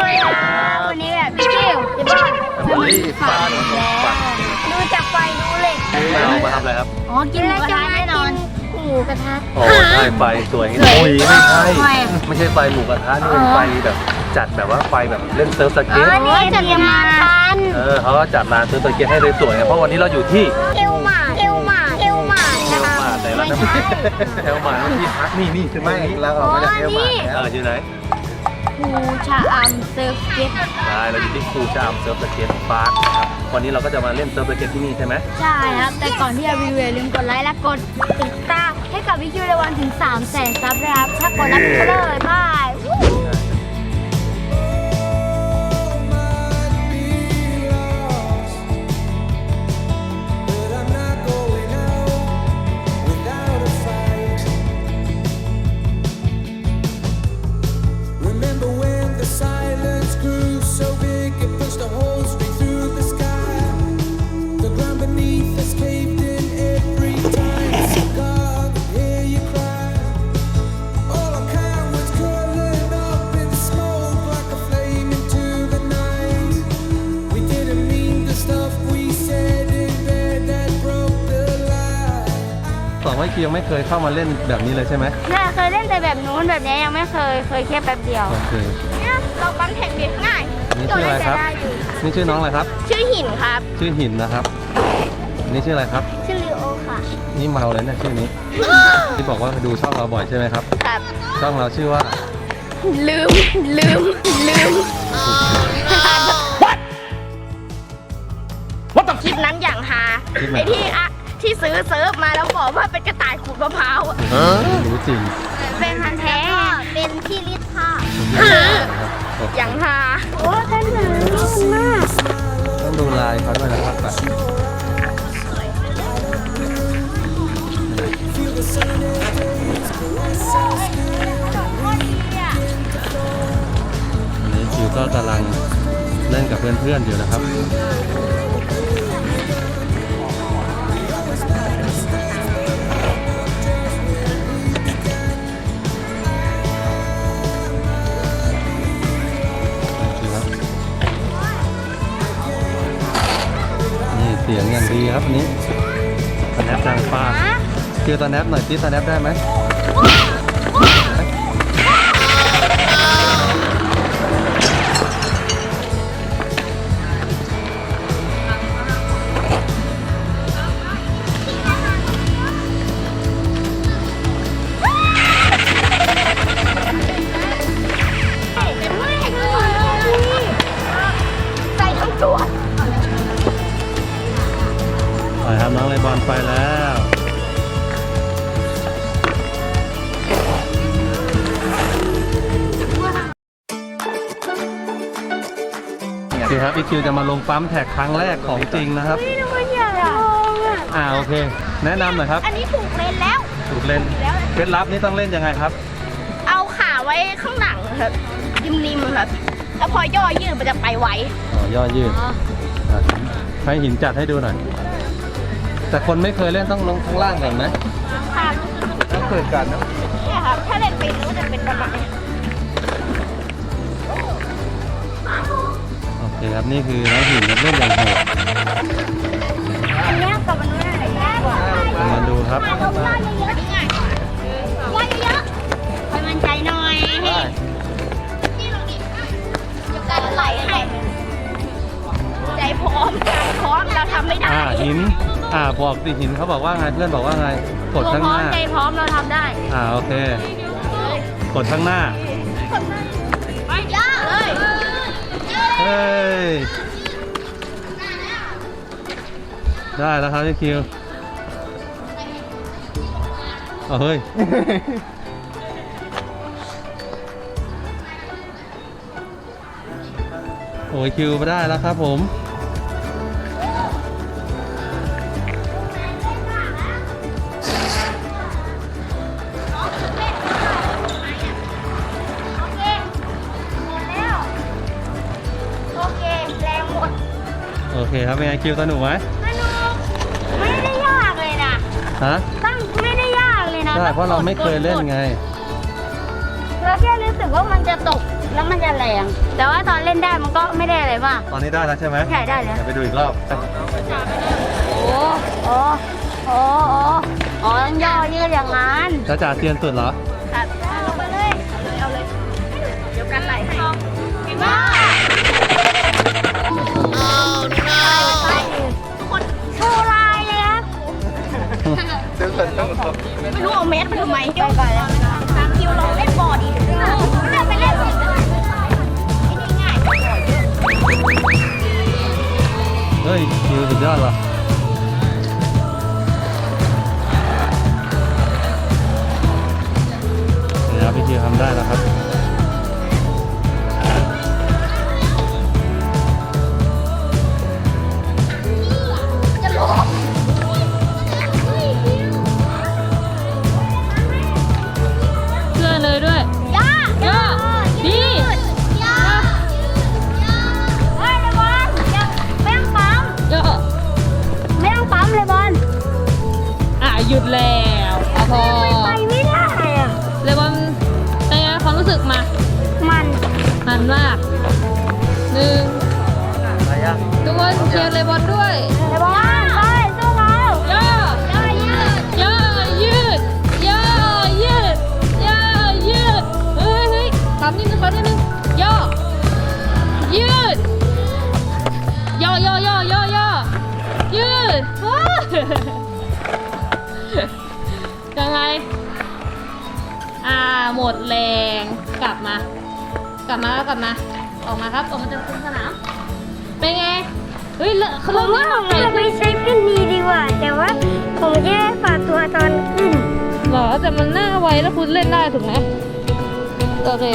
วันนี้แบบพี่คิวจะบ้านฟันดูจากไฟดูเหล็กเรามาทำอะไรครับอ๋อกินหมูกระทะแน่นอนหมูกระทะโอ้ใช่ไฟสวยโอ้ยไม่ใช่ไฟหมูกระทะนี่เป็นไฟแบบจัดแบบว่าไฟแบบเล่นเซิร์ฟสเก็ตนี่จะเรียมาทันเขาก็จัดร้านเซิร์ฟสเก็ตให้สวยๆเพราะวันนี้เราอยู่ที่เอลหมานะคะแต่ละน้ำเอลมาที่พักนี่ใช่ไหมเราออกมาจากเอลมาอยู่ไหนภูชะอำเซิร์ฟสเก็ตใช่เราอยู่ที่ภูชะอำเซิร์ฟสเก็ตพาร์คนะครับวันนี้เราก็จะมาเล่นเซิร์ฟสเก็ตที่นี่ใช่ไหมใช่ครับแต่ก่อนที่จะรีวิวลืมกดไลค์และกดติดตามให้กับวิคิวในวันถึง 300,000 ซับนะครับถ้ากดแล้วก็เลยบายว่าคิวยังไม่เคยเข้ามาเล่นแบบนี้เลยใช่ไหมน่าเคยเล่นแต่แบบนู้นแบบนี้ยังไม่เคยแค่แป๊บเดียวโอเคเนี่ยเราปั้นแผ่นเด็กง่ายนี่ชื่ออะไรครับนี่ชื่อน้องอะไรครับชื่อหินครับชื่อหินนะครับนี่ชื่ออะไรครับชื่อลิโอค่ะนี่เมาเลยนะชื่อนี้ที่บอกว่าดูช่องเราบ่อยใช่ไหมครับครับช่องเราชื่อว่าลืมWhat คลิปนั้นอย่างฮาไอที่ซื้อเซิร์ฟมาแล้วบอกว่าเป็นกระต่ายขูดมะพร้าวรู้จริงเป็นพันแท้เป็นที่รีดผ้าอย่างฮาโอ้ท่านหนึ่งมากต้องดูลายเขาด้วยนะครับอันนี้คิวก็กำลังเล่นกับเพื่อนๆอยู่นะครับเสียงอย่างดีครับนี้สแนปดังฟ้าคือสแนปหน่อยที่สแนปได้ไหมใส่ทั้งตัวไปครับน้องเลบอนไปแล้วคือครับอีคิวจะมาลงปั๊มแท็กครั้งแรกของจริงนะครับโอเคแนะนำหน่อยครับอันนี้ถูกเลนแล้วถูกเลนเคล็ดลับนี่ต้องเล่นยังไงครับเอาขาไว้ข้างหลังครับริมครับแล้วพอย่อยืดมันจะไปไวย่อยืดให้หินจัดให้ดูหน่อยแต่คนไม่เคยเล่นต้องลงข้างล่างก่อนไหมค่ะต้องเกิดกันนะเนี่ยครับถ้าเล่นเป็นรู้จะเป็นประมาณโอเคครับนี่คือน้องหินเล่นอย่างโหดอันนี้กับมันนู้นอะไรง่ายกว่ามาดูครับย่อเยอะๆให้มันใจหน่อยให้อยู่กันไหลให้ใจพร้อมเราทำไม่ได้หินบอกสิหินเขาบอกว่าไงเพื่อนบอกว่าไงกดข้างหน้าใจพร้อมเราทำได้โอเคกดข้างหน้าไปย่าเลยเฮ้ยได้แล้วครับพี่คิวเฮ้ยโอ้ยคิวมาได้แล้วครับผมโอเคครับเป็นไงคิวสนุกไหมสนุกไม่ได้ยากเลยนะตั้งไม่ได้ยากเลยนะใช่เพราะเราไม่เคยเล่นไงเราแค่รู้สึกว่ามันจะตกแล้วมันจะแรงแต่ว่าตอนเล่นได้มันก็ไม่ได้อะไรมากตอนนี้ได้แล้วใช่ไหมใช่ได้แล้วเดี๋ยวไปดูอีกรอบโอ้โอ้โอ้โอ้ต้องย่อยืดอย่างนั้นจ้าจ๋าเซียนสุดเหรอครับลงไปเลยเอาเลยเดี๋ยวกันไหลให้เก่งมากคนโชว์ลายเลยครับ ไม่รู้เอาเมสไปทำไมไปก่อนแล้ว3 คิวลองเล่นบอร์ดอีกไปเล่นสิไอ้นี่ง่ายเฮ้ยคิวสุดยอดว่ะเดี๋ยวพี่คิวทำได้แล้วครับจะหลบเชื่อเลยด้วยย่าย่าดีย่าเฮ้ยเลยบอลยังไม่ต้องปั๊มย่อไม่ต้องปั๊มเลยบอลหยุดแล้วเอาพอไปไม่ได้อะเลยบอลเป็นไงความรู้สึกมามันมันมากหนึ่งอะไรอ่ะทุกคนเชียร์เลยบอลด้วยเลยบอลไปสู้เขาย่อย่ายืดย่อยืดย่อยืดเฮ้ยปั๊มนิดนึงปั๊มนิดนึงย่อยืดย่ยืดยังไงหมดแรงกลับมา ออกมาครับออกมาจากสนามเป็นไงเฮ้ยเขาผมว่าผมจะไปใช้ขึ้นดีดีกว่า แต่ว่าผมแค่ฝากตัวตอนขึ้นเหรอแต่มันหน้าไวแล้วคุณเล่นได้ถูกไหมโอเค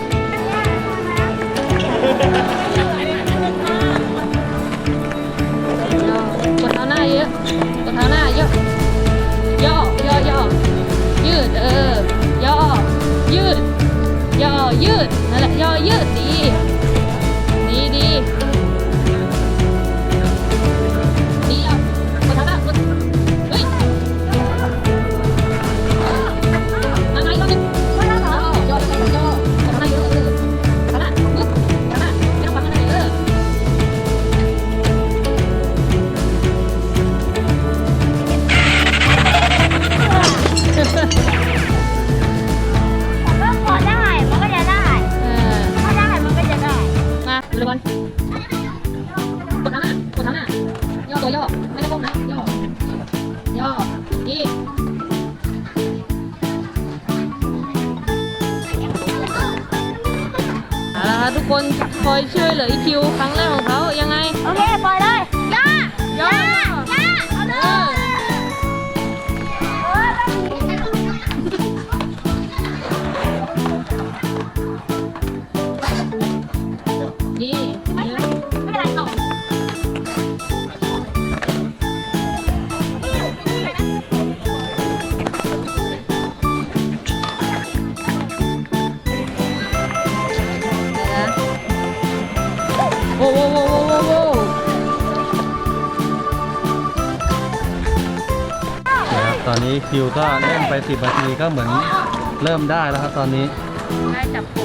กดเท้าหน้าเยอะกดเท้าหน้าเยอะย่ยืดย่อยืดนั่นแหละย่อยืดดีเอากดเท้าหน้ากดเฮ้ยอะไรก็นึงย่อกดเท้าหน้าเยอะเท้าหน้าปึ๊บเท้าหน้าไม่ต้องปั๊มเท้าหน้าเยอะก็พอได้ มันก็จะได้ ถ้าได้ มันก็จะได้มาเลยบอลกดเท้าหน้าย่อตัวย่อไม่ต้องก้มนะย่อดีเอาละครับทุกคนคอยช่วยเหลืออีคิวครั้งแรกของเขายังไงโอเค ปล่อยเลยย่าเอาเลยดีไม่เป็นไรต่อโอ้โหนะครับตอนนี้คิวก็เล่นไป10 นาทีก็เหมือนเริ่มได้แล้วครับตอนนี้ได้จับผม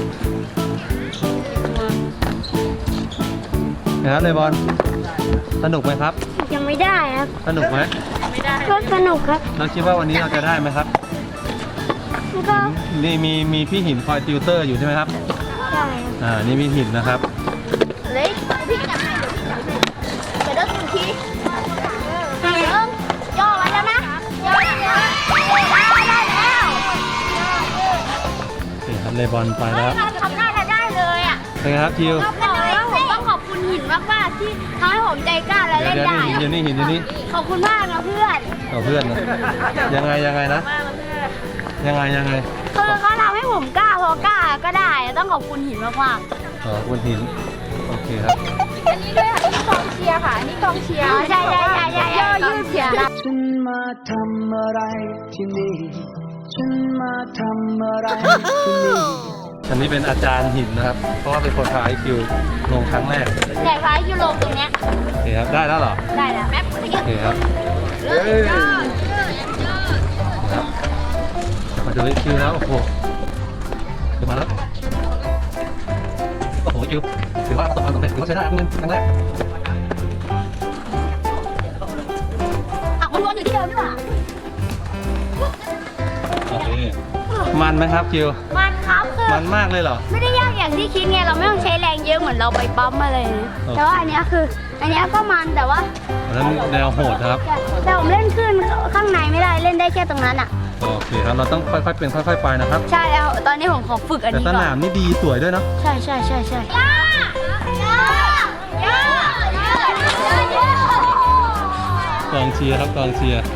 นะครับเลยบอลสนุกไหมครับยังไม่ได้ครับสนุกไหมไม่ได้ก็สนุกครับเราคิดว่าวันนี้เราจะได้ไหมครับก็นี่มีพี่หินคอยติวเตอร์อยู่ใช่ไหมครับได้นี่พี่หินนะครับเล็กพี่จับให้เดี๋ยวได้ทุนทีย่อไว้แล้วนะย่อได้แล้วโอเคครับเลยบอลไปแล้วทำได้เลยอ่ะเป็นไงครับคิวผมต้องขอบคุณหินมากๆที่ทำให้ผมใจกล้าและเดี๋ยเล่วนได้หินอยู่นี่ขอบคุณมากนะเพื่อนเอาเพื่อนนะยังไงนะยังไงคือเขาทำให้ผมกล้าพอกล้าก็ได้ต้องขอบคุณหินมากคุณหินโอเคครับๆอันนี้ด้วยค่ะนี่กองเชียร์ค่ะอันนี้กองเชียร์ใช่ย่อยืดเชียร์ฉันมาทำอะไรที่นี่ ฉันมาทำอะไรที่นี่อันนี้เป็นอาจารย์หินนะครับ เพราะว่าเป็นคนพาไอคิวลงครั้งแรกแต่ฟ้ายูโรตรงเนี้ยโอเคครับได้แล้วเหรอได้แล้วแป๊บโอเคครับ ครับมาดูไอคิวแล้วโอ้โหขึ้นมาแล้วคิวถือว่าประสบความสำเร็จถือว่าใช้ได้ครั้งแรกมันวนอยู่ที่เดิมดีกว่าโอเคมันไหมครับคิวมันครับคือมันมากเลยเหรอไม่ได้ยากอย่างที่คิดไงเราไม่ต้องใช้แรงเยอะเหมือนเราไปปั๊มมาเลยนะโอเคแต่ว่าอันเนี้ยคืออันเนี้ยก็มันแต่ว่าแล้วแนวโหดครับแต่ผมเล่นขึ้นข้างในไม่ได้เล่นได้แค่ตรงนั้นอ่ะโอเคครับเราต้องค่อยๆเป็นค่อยๆไปนะครับใช่แล้วตอนนี้ผมขอฝึกอันแต่นี้สก่อนนามนี่ดีสวยด้วยเนาะใช่ใช่ใช่ใช่กองเชียร์ครับกองเชียร์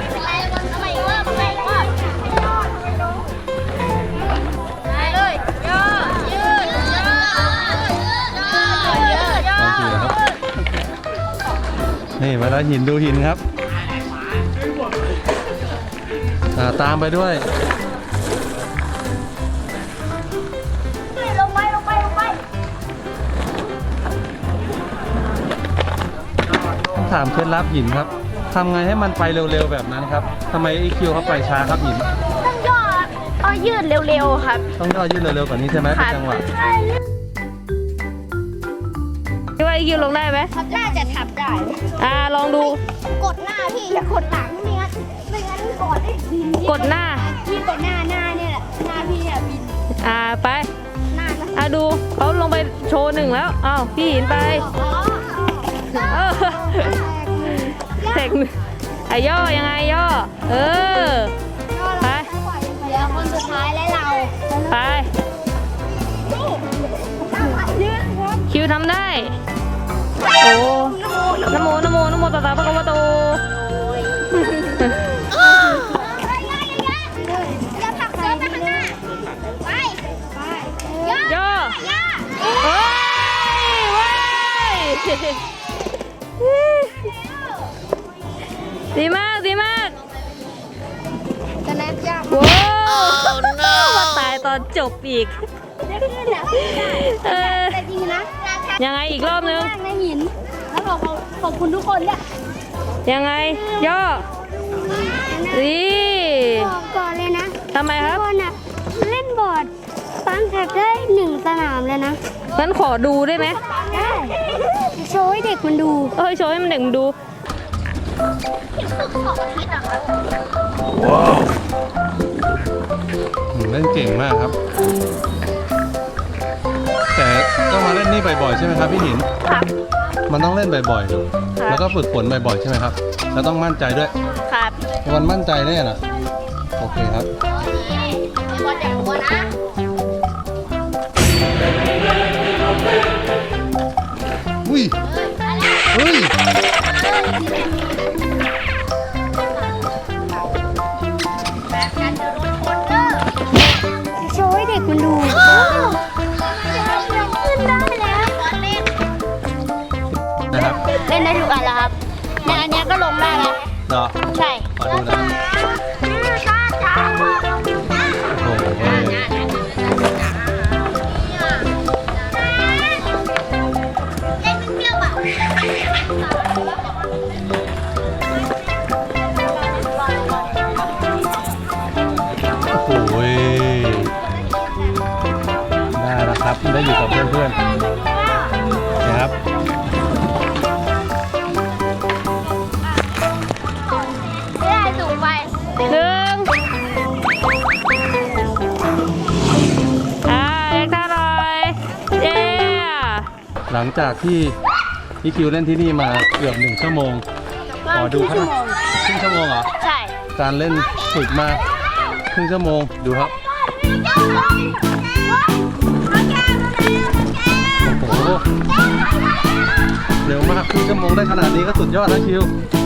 กองเชียร์ครับนี่มาแล้วหินดูหินครับตามไปด้วยลงไปลงไปลงไปต้องถามเคล็ดลับหินครับทำไงให้มันไปเร็วๆแบบนั้นครับทำไมไอคิวเขาไปช้าครับหินต้องย่อเอายืดเร็วๆครับต้องย่อยืดเร็วๆกว่านี้ใช่ไหมเป็นจังหวะคิดว่าIQ ลงได้ไหมน่าจะทับได้ลองดูกดหน้าพี่อย่ากดหลังไม่งั้นกดได้บินกดหน้าพี่กดหน้าเนี่ยแหละหน้าพี่เนี่ยบินไปหน้านะดูเขาลงไปโชว์1แล้วอ้าวพี่หินไปอ๋อเออเสกย่อยังไงย่อไปเดี๋ยวคนสุดท้ายและเราไปคิวทำได้โอ้นะโมนะโมนะโมตัสสะภะคะวะโตอย่าผลักเสื้อไปข้างหน้าไปย่ย่ออย่าเฮ้ยเว้ยดีมากดีมากจะแนบยากว้าวมาตายตอนจบอีกได้ขึ้นนะแต่จริงนะยังไงอีกรอบนึงมากในหินแล้วขอบคุณทุกคนเนี่ยยังไงย่อดีบอกก่อนเลยนะทำไมคทุรักบคนอ่ะเล่นบอร์ดฟังแท็กได้1 สนามเลยนะงั้นขอดูได้ไหมได้โชว์ให้เด็กมันดูโชว์ให้มันเด็กมันดูเล่นเก่งมากครับ แต่ต้องมาเล่นนี่บ่อยๆใช่ไหมครับพี่หินครับมันต้องเล่นบ่อยๆ แล้วก็ฝึกฝนบ่อยๆใช่ไหมครับ แล้วต้องมั่นใจด้วยครับมันมั่นใจแน่นะโอเคครับบอลอย่างหัวนะอุ้ยเฮ้ยโชว์ให้เด็กมันดูขึ้นได้แล้วนะครับเล่นได้ทุกอันแล้วครับในอันเนี้ยก็ลงได้แล้วเหรอใช่ขอดูนะครับโอ้โหโอ้โหได้แล้วครับ ได้อยู่กับเพื่อนๆนะครับไม่ได้สูงไป 1เล็กท่าหน่อยเย้หลังจากที่พี่คิวเล่นที่นี่มาเกือบ1 ชั่วโมง ขอดูครับครึ่งชั่วโมงเหรอใช่การเล่นฝึกมาครึ่งชั่วโมงดูครับ โอ้โห เร็วมากครึ่งชั่วโมงได้ขนาดนี้ก็สุดยอดแล้วคิว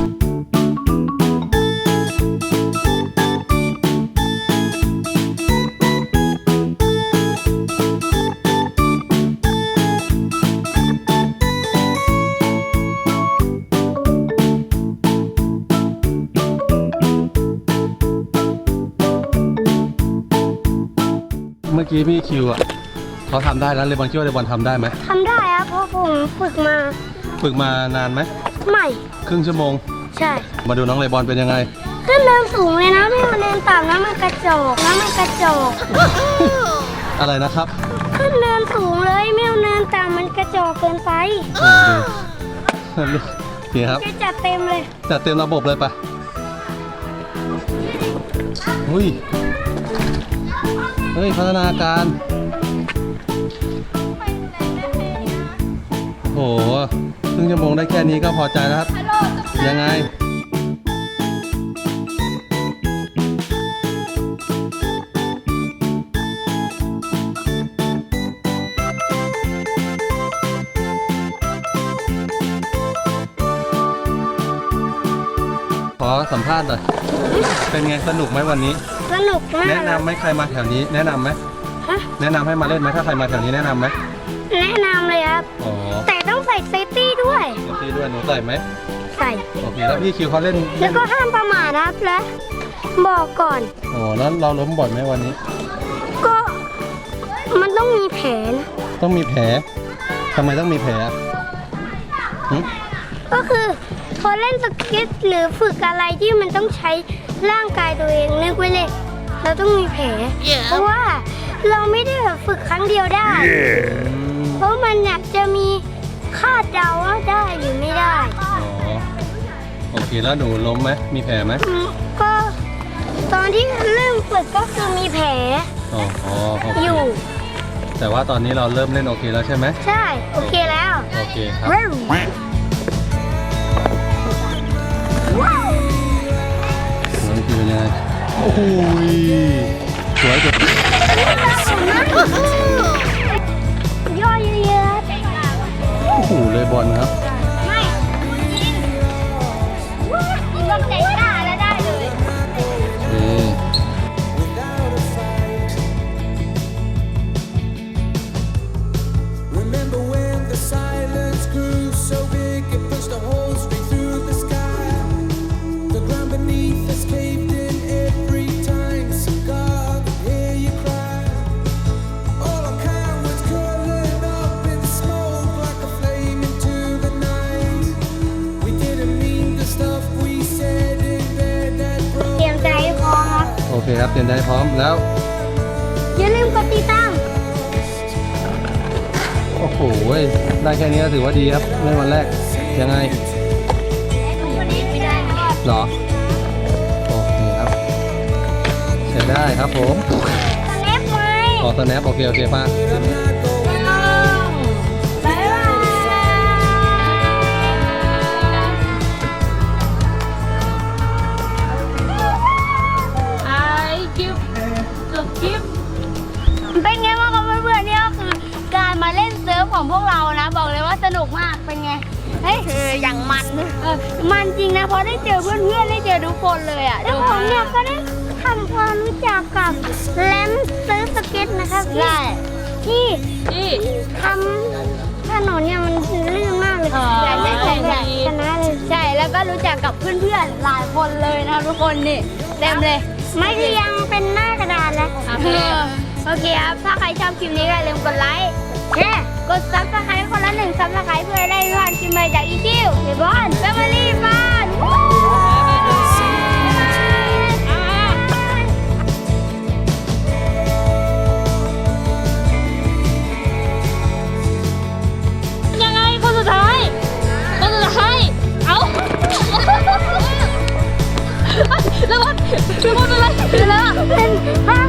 เมื่อกี้พี่คิวอ่ะเขาทำได้แล้วเลบอนคิดว่าเลบอนทำได้ไหมทำได้ครับเพราะผมฝึกมาฝึกมานานไหมใหม่ครึ่งชั่วโมงใช่มาดูน้องเลบอนเป็นยังไงขึ้นเนินสูงเลยนะไม่มาเนินต่ำแล้วมันกระจอกแล้วมันกระจอกอะไรนะครับขึ้นเนินสูงเลยไม่เอาเนินต่ำมันกระจอกเกินไปโอ้ดูนี่ครับจะจัดเต็มเลยจัดเต็มระบบเลยปะอุ้ยเฮ้ยพัฒนาการโอ้โหครึ่งชั่วโมงได้แค่นี้ก็พอใจแล้วครับ ยังไงขอสัมภาษณ์หน่อยเป็นไงสนุกไหมวันนี้สนุกมากแนะนำไหมใครมาแถวนี้แนะนำไหมฮะแนะนำให้มาเล่นไหมถ้าใครมาแถวนี้แนะนำไหมแนะนำเลยครับอ๋อแต่ต้องใส่เซฟตี้ด้วยเดี๋ยวพี่ด้วยหนูใส่ไหมใส่โอเคแล้วพี่คิวเขาเล่นแล้วก็ห้ามประมาทนะครับและบอกก่อนโอ้แล้วเราล้มบ่อยไหมวันนี้ก็มันต้องมีแผนต้องมีแผลทำไมต้องมีแผลอะหึก็คือพอเล่นสเก็ตหรือฝึกอะไรที่มันต้องใช้ร่างกายตัวเองนึกไว้เลยเราต้องมีแผลเพราะว่าเราไม่ได้แบบฝึกครั้งเดียวได้ เพราะมันอยากจะมีคาดเดาว่าได้หรือไม่ได้อ๋อโอเคแล้วหนูล้มไหมมีแผลไหมก็ตอนที่เริ่มฝึกก็คือมีแผลอ๋อโอเคอยู่แต่ว่าตอนนี้เราเริ่มเล่นโอเคแล้วใช่ไหมใช่โอเคแล้วโอเคครับว้าวน้องคิวเป็นยังไงโอ้โหสวยจังย่อเยอะโอ้โหเลยบอลครับๆไม่ยิงต้องใจกล้าแล้วได้เลยนี่ Remember when the silence grew so big it pushed a hole straight through the sky. The ground beneath us caved in every time. So God would hear you cry. All our kind was curling up in smoke like a flame into the night. We didn't mean the stuff we said in bed that เตรียมใจให้พร้อมครับโอเคครับเตรียมใจพร้อมแล้วอย่าลืมกดติดตามโอ้โหได้แค่นี้ก็ถือว่าดีครับเล่นวันแรกยังไงวันนี้ไม่ได้นะครับเหรอโอเคครับใช้ได้ครับผมสแนปไหมขอสแนปโอเคป้าบ๊ายบายไอกิฟต์กิฟต์เป็นไงบ้างครับเพื่อนๆเนี่ยก็คือการมาเล่นเซิร์ฟของพวกเรานะ บอกเลยว่าสนุกมากเป็นไงเฮ้ยอย่างมันมันจริงนะเพราะได้เจอเพื่อนๆได้เจอทุกคนเลยอ่ะแล้วผมเนี่ยก็ได้ทำความรู้จักกับแลมเซิร์ฟสเก็ตนะครับที่นี่ทำถนนเนี่ยมันลื่นมากเลยอ๋อใช่ชนะเลยใช่แล้วก็รู้จักกับเพื่อนๆหลายคนเลยนะทุกคนนี่เต็มเลยไม่ได้ยังเป็นหน้ากระดานแล้ว โอเคครับ ถ้าใครชอบคลิปนี้ก็อย่าลืมกดไลค์แชร์กดซับสไครต์คนละ1ซับสไครต์เพื่อได้ทุกวันคลิปใหม่จากอีคิวเดบอนแฟมิลี่บ้านยังไงคนสุดท้ายคนสุดท้ายเอา แล้ววันเป็นไรเป็นภา